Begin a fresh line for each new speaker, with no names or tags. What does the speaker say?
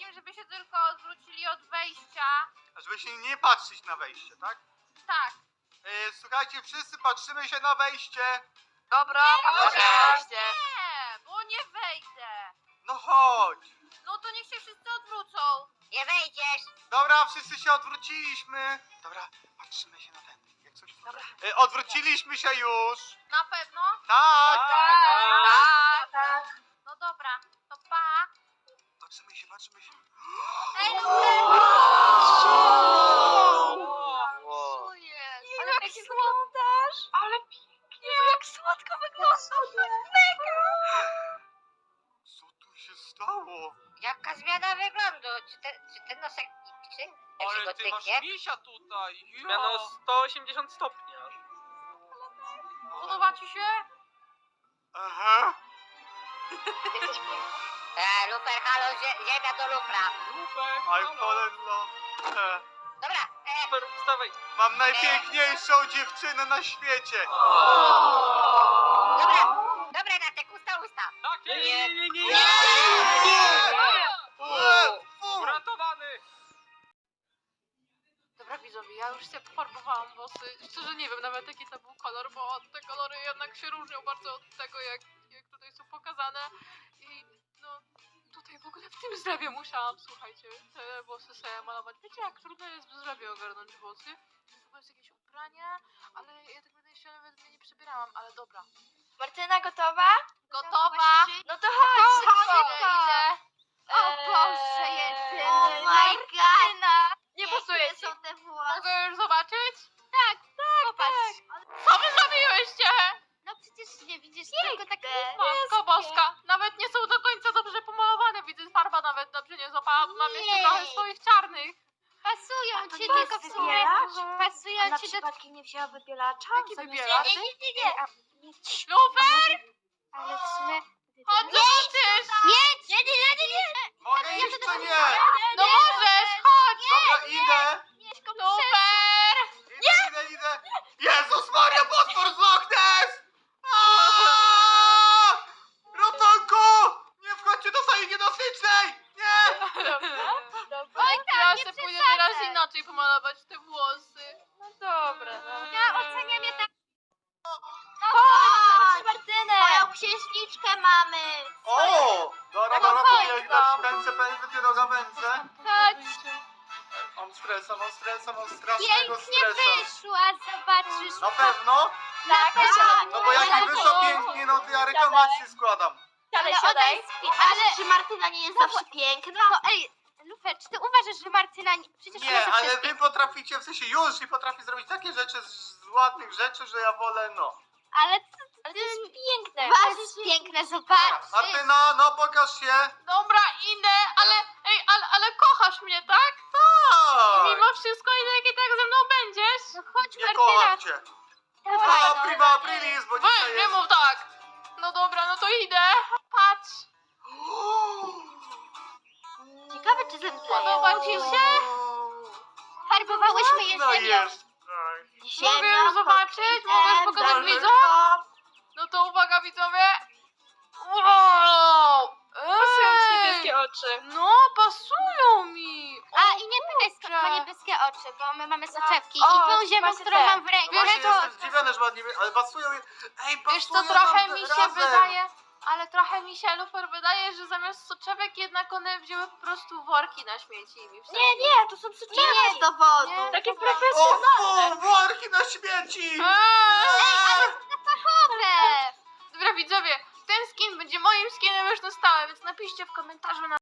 zdaniem, żeby się tylko odwrócili od wejścia.
A żeby się nie patrzeć na wejście, tak?
Tak.
Słuchajcie, wszyscy patrzymy się na wejście.
Dobra, oczywiście.
Nie, bo nie wejdę.
No chodź.
No to niech się wszyscy odwrócą.
Nie wejdziesz.
Dobra, wszyscy się odwróciliśmy. Dobra, patrzymy się na ten. Jak coś...
Dobra.
Odwróciliśmy się już.
Na pewno?
Tak.
Tak.
No dobra, to pa.
Patrzymy się, patrzymy się.
Ej,
Co jest? Ale
jak
pięknie wyglądasz. Ale pięknie. Jak słodko wyglądasz.
Co tu się stało?
Jaka zmiana wyglądu? Czy ten nosek czy jak się
Ale
go
ty masz
tyknie?
misia tutaj.
Zmiana o 180 stopni aż.
podoba ci się?
Aha.
Jesteś piękny. Lufer, halo, ziemia do lufra.
Lufek,
I fallen in love.
Dobra,
Super, wstawaj.
Mam najpiękniejszą dziewczynę na świecie.
dobra, Natek, usta.
Tak,
Nie.
Uratowany.
Dobra widzowie, ja już sobie pofarbowałam włosy. Szczerze nie wiem nawet jaki to był kolor, bo te kolory jednak się różnią bardzo od tego jak tutaj są pokazane. I no tutaj w ogóle w tym zlewie musiałam, słuchajcie, te włosy sobie malować. Wiecie jak trudno jest w zlewie ogarnąć włosy? W ogóle jest jakieś ubranie, ale ja tak będę się nawet mnie nie przebierałam, ale dobra.
Martyna gotowa?
Gotowa?
No to chodź,
Idę.
O Boże, jedyny. Oh my god.
Nie
pasuje są te włosy.
Mogę już zobaczyć?
Popatrz.
Co wy zrobiłyście?
No przecież nie widzisz tylko tak
Matko boska, nawet nie są do końca dobrze pomalowane, widzę farba nawet dobrze nie złapałam, mam jeszcze
Nie.
trochę swoich czarnych.
pasują ci
nie
tylko
jest
w sumie.
wybielacz?
Pasują ci do...
przypadkiem nie wzięła wybielacza?
Jaki wybielacz?
Nie.
Lufer,
Ale w sumie...
chodź zobaczysz!
Nie.
Mogę iść czy nie?
No możesz, chodź!
Dobra, idę.
Lufer!
Idę. Jezus Maria, potwór z Loch Ness! Aaaa! Ratunku! Nie wchodźcie do sali niedostycznej! Nie!
Oj, ja się pójdę teraz inaczej pomalować te włosy.
No dobra,
Ja
oceniam je tak. Chodź, Martynę. Moją księżniczkę mamy.
O! Dobra, to jak pędzę, dopiero pędzę.
Chodź.
Mam strasznego
Pięknie
stresa.
wyszła, zobaczysz.
Na pewno?
Tak,
No bo jak mi wyszło pięknie, no to ja reklamację składam.
siadaj. Ale czy Martyna nie jest zawsze piękna? No ej, Lufer, czy ty uważasz, że Martyna nie... Przecież ona
Nie,
zawsze
ale
jest
wy potraficie, w sensie już i potrafi zrobić takie rzeczy z ładnych rzeczy, że ja wolę, no.
Ale to jest piękne. To jest piękne, zobacz.
Martyna, no pokaż się.
Dobra, idę, ale kochasz mnie, tak?
Tak.
Mimo wszystko i tak ze mną będziesz?
No chodź,
Nie
Martyna.
kocham cię.
Dawaj,
A,
no.
prima aprilis, bo dzisiaj
Weź, nie
jest...
mów tak. No dobra, no to idę. Patrz,
Ciekawe, czy zemdleje.
podoba ci się?
Farbowałyśmy je
No
ziemią.
jest. Tak.
Mogę już zobaczyć? Mogę pokazać
Dobrze.
widzom? No to uwaga widzowie. Wow!
oczy.
No, pasują mi.
A i nie pytaj, skąd ma niebieskie oczy, bo my mamy soczewki i tą ziemią, którą mam w ręku.
Właśnie
to-
jestem zdziwiony, że ładnie, ale pasują je. Ej, pasują
Wiesz co, trochę
nam
mi się
razem.
wydaje, ale trochę mi się, Lufer, wydaje, że zamiast soczewek jednak one wzięły po prostu worki na śmieci i mi wsadziły.
Nie, to są soczewki. Nie jest dowodu.
Nie,
Takie
to
O, worki na śmieci!
fachowe.
Dobra widzowie, ten skin będzie moim skinem już na stałe, więc napiszcie w komentarzu na